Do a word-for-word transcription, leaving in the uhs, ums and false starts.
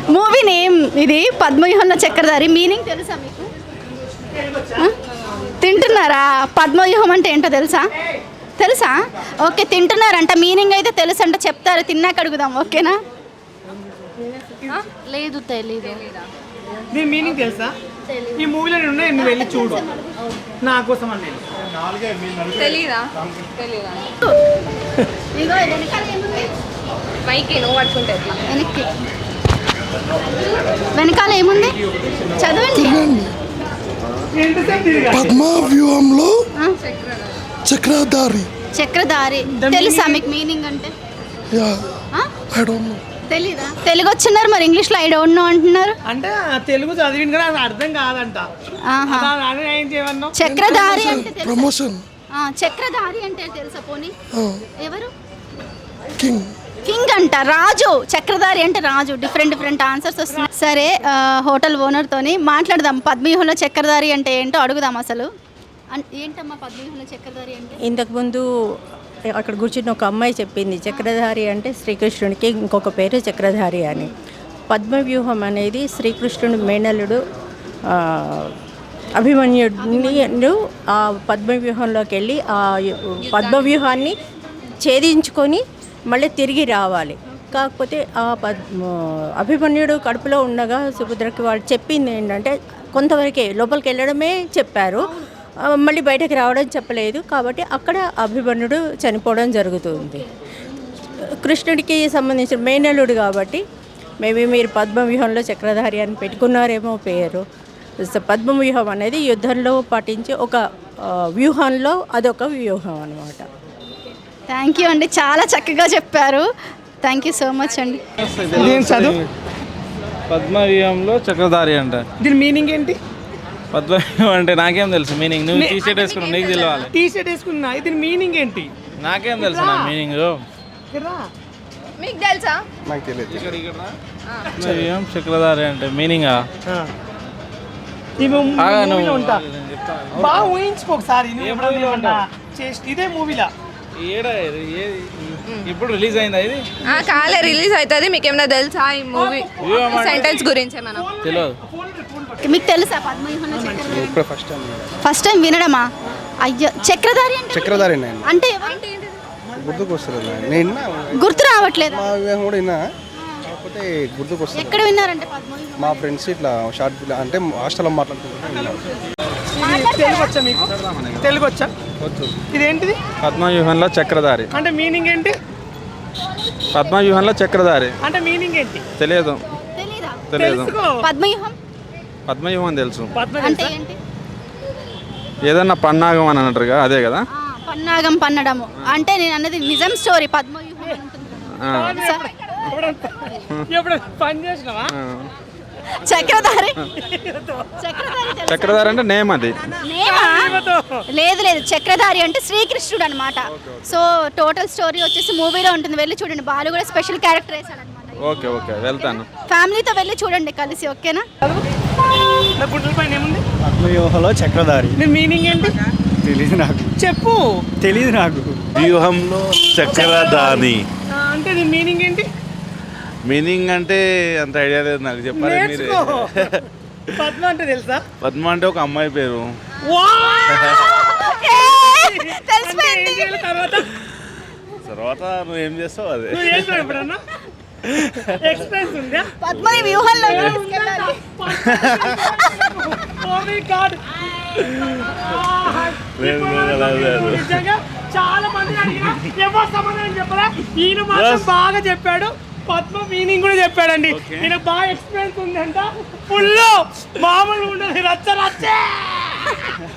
Movie name ఇది పద్మవ్యూహంలో చక్రధారి. Meaning తెలుసా మీకు? ఆ? తింటున్నారా? పద్మవ్యూహం అంటే ఏంటో తెలుసా? తెలుసా? ఓకే, తింటున్నారంట. మీనింగ్ అయితే తెలుసు అంటే చెప్తారు, తిన్నాక అడుగుదాం. ఓకేనా? లేదు, తెలీదు. దీని మీనింగ్ తెలుసా? ఈ మూవీలో ఉన్నాయి, నువ్వు వెళ్ళి చూడు నా కోసం అని. తెలీదా? తెలీదా? ఇదిగో వెనకాల ఏముంది? మైకి నువ్వు పట్టుకుంటే వెనక్కి వెనకాల ఏముంది చదవండి. పద్మ వ్యూహంలో ఆ? చక్రధారి. చక్రధారి తెలుసా మీకు మీనింగ్ అంటే? యా ఆ? I don't know. తెలీదా? తెలుగు వచ్చినారు మరి ఇంగ్లీష్లో ఐ డోంట్ నో అంటున్నారు. అంటే తెలుగు చదివింది కదా, అది అర్థం కాదంట. ఆహా. అలా అని ఏం చేయమన్నావు? చక్రధారి అంటే తెలుసా? ప్రమోషన్ ఆ, చక్రధారి అంటే తెలుసా పోనీ? ఎవరు? కింగ్. కింగ్ అంట, రాజు. చక్రధారి అంటే రాజు. డిఫరెంట్ డిఫరెంట్ ఆన్సర్స్ వస్తున్నాయి. సరే, ఆ, హోటల్ ఓనర్తోని మాట్లాడదాం. పద్మవ్యూహంలో చక్రధారి అంటే ఏంటో అడుగుదాం. అసలు అన్- ఏంటమ్మా పద్మవ్యూహంలో చక్రధారి అంటే? ఇంతకుముందు అక్కడ కూర్చున్న ఒక అమ్మాయి చెప్పింది, చక్రధారి అంటే శ్రీకృష్ణుడికి ఇంకొక పేరు చక్రధారి అని. పద్మవ్యూహం అనేది శ్రీకృష్ణుడు మేనల్లుడు ఆ, అభిమన్యుడు ఆ పద్మవ్యూహంలోకి వెళ్ళి ఆ పద్మవ్యూహాన్ని ఛేదించుకొని మళ్ళీ తిరిగి రావాలి. కాకపోతే ఆ పద్మ అభిమన్యుడు కడుపులో ఉండగా సుభద్రకి వాళ్ళు చెప్పింది ఏంటంటే కొంతవరకే లోపలికి వెళ్ళడమే చెప్పారు, ఆ, మళ్ళీ బయటకు రావడం చెప్పలేదు. కాబట్టి అక్కడ అభిమన్యుడు చనిపోవడం జరుగుతుంది. కృష్ణుడికి సంబంధించిన మేనల్లుడు కాబట్టి మేబీ మీరు పద్మవ్యూహంలో చక్రధారి అని పెట్టుకున్నారేమో పేరు. సో పద్మవ్యూహం అనేది యుద్ధంలో పాటించే ఒక ఆ, వ్యూహంలో అదొక వ్యూహం అన్నమాట. థ్యాంక్ యూ అండి, చాలా చక్కగా చెప్పారు. థ్యాంక్ యూ సో మచ్ అండి. దీని చదువు. పద్మవ్యూహంలో చక్రధారి అంట. దీని మీనింగ్ ఏంటి? పద్మవ్యూహం అంటే నాకేం తెలుసు మీనింగ్? నువ్వు టీ షర్ట్ వేసుకున్నావు, నీకు తెలియాలి. టీ షర్ట్ వేసుకున్నా, దీని మీనింగ్ ఏంటి? నాకేం తెలుసు నా మీనింగ్. మీకు తెలుసా? నాకు తెలియదు. పద్మవ్యూహం చక్రధారి అంటే మీనింగా? ఈ మూ- ఆగా నువ్వు మూవీలో ఉంటా. నేను చెప్తా. బాగా ఊహించుకో ఒకసారి. నువ్వు ఏ ఎప్పుడైనా మూవీలో ఉంటా? ఉంటావు? చేసి- ఇదే మూవీలా. ఏడా ఇది? ఏది? ఇప్పుడు రిలీజ్ అయిందా ఇది? ఆ, కాలే రిలీజ్ అవుతుంది. మీకు ఏమైనా తెలుసా ఈ మూవీ వ్యూహం అంటే- సెంటెన్స్ గురించి మనం? తెలియదు. మీకు తెలుసా పద్మవ్యూహంలో చక్రధారి? ఇప్పుడు ఫస్ట్ టైం ఫస్ట్ టైం వినడమా? అయ్యో, చక్రధారి అంటే చక్రధారి నేను అంటే ఎవరు? గుర్తుకు వస్తుంది. నేను విన్నా, గుర్తు రావట్లేదు. మా వివాహం కూడా విన్నా, కాకపోతే గుర్తుకు వస్తుంది. ఎక్కడ విన్నారంటే పద్మవ్యూహం? మా ఫ్రెండ్స్ ఇట్లా షార్ట్ ఫిల్మ్ అంటే హాస్టల్లో మాట్లాడుకుంటున్నా. తెలుగు వచ్చా మీకు? తెలుగు వచ్చా? ఇదేంటిది? పద్మవ్యూహంలో చక్రధారి అంటే మీనింగ్ ఏంటి? పద్మవ్యూహంలో చక్రధారి అంటే మీనింగ్ ఏంటి? తెలియదు. తెలీదా? తెలియదు. తెలుసుకో. పద్మవ్యూహం పద్మవ్యూహం తెలుసు. పద్మ అంటే తెలుసా? ఏంటి? ఏదన్నా పన్నాగం అని అంటారుగా, అదే కదా? ఆ, పన్నాగం పన్నడము అంటే నేను అన్నది నిజం స్టోరీ. పద్మవ్యూహం అని ఉంటుంది కదా. ఆ. తెలుసా? ఎప్పుడు పని చేసినావా? ఆ. చక్రధారి చక్రధారి తెలుసా? చక్రధారి అంటే నేమ్ అది. నేమా? లేదు లేదు, చక్రధారి అంటే శ్రీకృష్ణుడు అనమాట. సో టోటల్ స్టోరీ వచ్చేసి మూవీలో ఉంటుంది, వెళ్ళి చూడండి. బాలు కూడా స్పెషల్ క్యారెక్టర్ వేసాడు అనమాట. ఓకే ఓకే వెళ్తాను. ఫ్యామిలీతో వెళ్ళి చూడండి కలిసి. ఓకేనా? నా గుండెల పైన ఏముంది? పద్మవ్యూహంలో చక్రధారి. దీని మీనింగ్ ఏంటి? తెలీదు నాకు. చెప్పు. తెలీదు నాకు. వ్యూహంలో చక్రధారి ఆ, అంటే దీని మీనింగ్ ఏంటి? మీనింగ్ అంటే అంత ఐడియా లేదు నాకు, చెప్పాలి మీరే. నేర్చుకో. పద్మ అంటే తెలుసా? పద్మ అంటే ఒక అమ్మాయి పేరు. ఏ, తెలిసిపోయింది. అంటే ఏం చేయాలి తర్వాత? తర్వాత నువ్వు ఏం చేస్తావు అదే. నువ్వు చేసినావు ఎప్పుడన్నా? ఎక్స్పీరియన్స్ ఉందా? పద్మని వ్యూహంలో తీసుకెళ్ళాలి. Oh my God. లేదు, లేదు, లేదు, లేదు. నిజంగా చాలా మంది అడిగినా ఎవరు సమాధానం చెప్పరా? ఈయన మాత్రం బాగా చెప్పాడు. పద్మ మీనింగ్ కూడా చెప్పాడండి. ఈయన బాగా ఎక్స్పీరియన్స్ ఉందంట. ఫుల్ మామూలు ఉండదు, రచ్చ రచ్చే.